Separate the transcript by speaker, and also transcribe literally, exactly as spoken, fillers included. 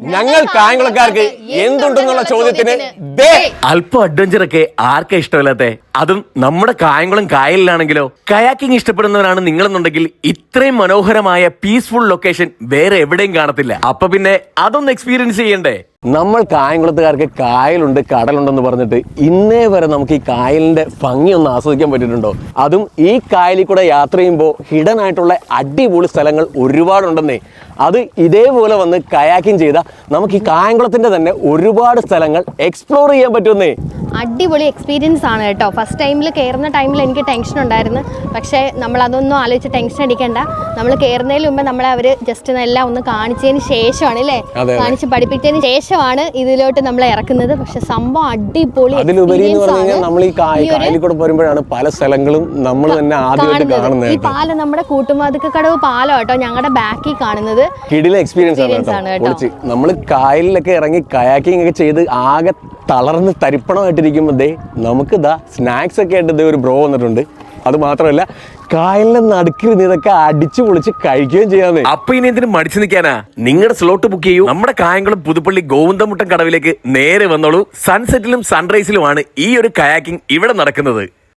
Speaker 1: ഞങ്ങൾ കായംകുളക്കാർക്ക് എന്തുണ്ടെന്നുള്ള ചോദ്യത്തിന്
Speaker 2: അല്പം അഡ്വഞ്ചർ ഒക്കെ ആർക്കാ ഇഷ്ടമല്ലാത്തെ? അതും നമ്മുടെ കായംകുളം കായലിലാണെങ്കിലോ. കയാക്കിംഗ് ഇഷ്ടപ്പെടുന്നവരാണ് നിങ്ങളെന്നുണ്ടെങ്കിൽ ഇത്രയും മനോഹരമായ പീസ്ഫുൾ ലൊക്കേഷൻ വേറെ എവിടെയും കാണത്തില്ല. അപ്പൊ പിന്നെ അതൊന്ന് എക്സ്പീരിയൻസ് ചെയ്യണ്ടേ?
Speaker 1: നമ്മൾ കായംകുളത്തുകാർക്ക് കായലുണ്ട് കടലുണ്ടെന്ന് പറഞ്ഞിട്ട് ഇന്നേ വരെ നമുക്ക് ഈ കായലിന്റെ ഭംഗി ഒന്ന് ആസ്വദിക്കാൻ പറ്റിയിട്ടുണ്ടോ? അതും ഈ കായലിൽ കൂടെ യാത്ര ചെയ്യുമ്പോൾ ഹിഡൻ ആയിട്ടുള്ള അടിപൊളി സ്ഥലങ്ങൾ ഒരുപാടുണ്ടെന്നേ. അത് ഇതേപോലെ വന്ന് കയാക്കിംഗ് ചെയ്താൽ നമുക്ക് ഈ കായംകുളത്തിന്റെ തന്നെ ഒരുപാട് സ്ഥലങ്ങൾ എക്സ്പ്ലോർ ചെയ്യാൻ പറ്റുമെന്നേ.
Speaker 3: അടിപൊളി എക്സ്പീരിയൻസ് ആണ് കേട്ടോ. ഫസ്റ്റ് ടൈമിൽ കയറുന്ന ടൈമിൽ എനിക്ക് ടെൻഷൻ ഉണ്ടായിരുന്നു. പക്ഷേ നമ്മൾ അതൊന്നും ആലോചിച്ച് ടെൻഷൻ അടിക്കണ്ട. നമ്മൾ കയറുന്നതിന് മുമ്പ് നമ്മളെ അവർ ജസ്റ്റ് എല്ലാം ഒന്ന് കാണിച്ചതിന് ശേഷമാണ് അല്ലേ കാണിച്ച് പഠിപ്പിച്ചതിന് ശേഷമാണ് ഇതിലോട്ട് നമ്മളെ ഇറക്കുന്നത്. പക്ഷെ സംഭവം അടിപൊളി.
Speaker 1: അതിലുപരി എന്ന് പറഞ്ഞു കഴിഞ്ഞാൽ നമ്മൾ ഈ കായലിൽ കൂടെ വരുമ്പോഴാണ് പല സ്ഥലങ്ങളും നമ്മൾ തന്നെ ആദ്യമായിട്ട് കാണുന്നത്.
Speaker 3: ഈ പാലം നമ്മുടെ കൂട്ടുമാതുക്കടവ് പാലം കേട്ടോ ഞങ്ങളുടെ ബാക്കിൽ കാണുന്നത്.
Speaker 1: കിടിലൻ എക്സ്പീരിയൻസ് ആണ് കേട്ടോ. നമ്മൾ കായലിലൊക്കെ ഇറങ്ങി കയാക്കിംഗ് ഒക്കെ ചെയ്ത് ആകെ തളർന്ന് തരിപ്പണമായിട്ടിരിക്കുമ്പോൾ ദേ നമുക്ക് ഇതാ സ്നാക്സ് ഒക്കെ ആയിട്ട് ഒരു ബ്രോ വന്നിട്ടുണ്ട്. അത് മാത്രമല്ല കായലിന്റെ നടുക്കിൽ ഇതൊക്കെ അടിച്ചു പൊളിച്ച് കഴിക്കുകയും ചെയ്യാതെ.
Speaker 2: അപ്പൊ ഇനി എന്തിനും മടിച്ചു നിൽക്കാനാ? നിങ്ങളുടെ സ്ലോട്ട് ബുക്ക് ചെയ്യൂ. നമ്മുടെ കായംകുളം പുതുപ്പള്ളി ഗോവിന്ദമുട്ടം കടവിലേക്ക് നേരെ വന്നോളൂ. സൺസെറ്റിലും സൺറൈസിലുമാണ് ഈ ഒരു കയാക്കിംഗ് ഇവിടെ നടക്കുന്നത്.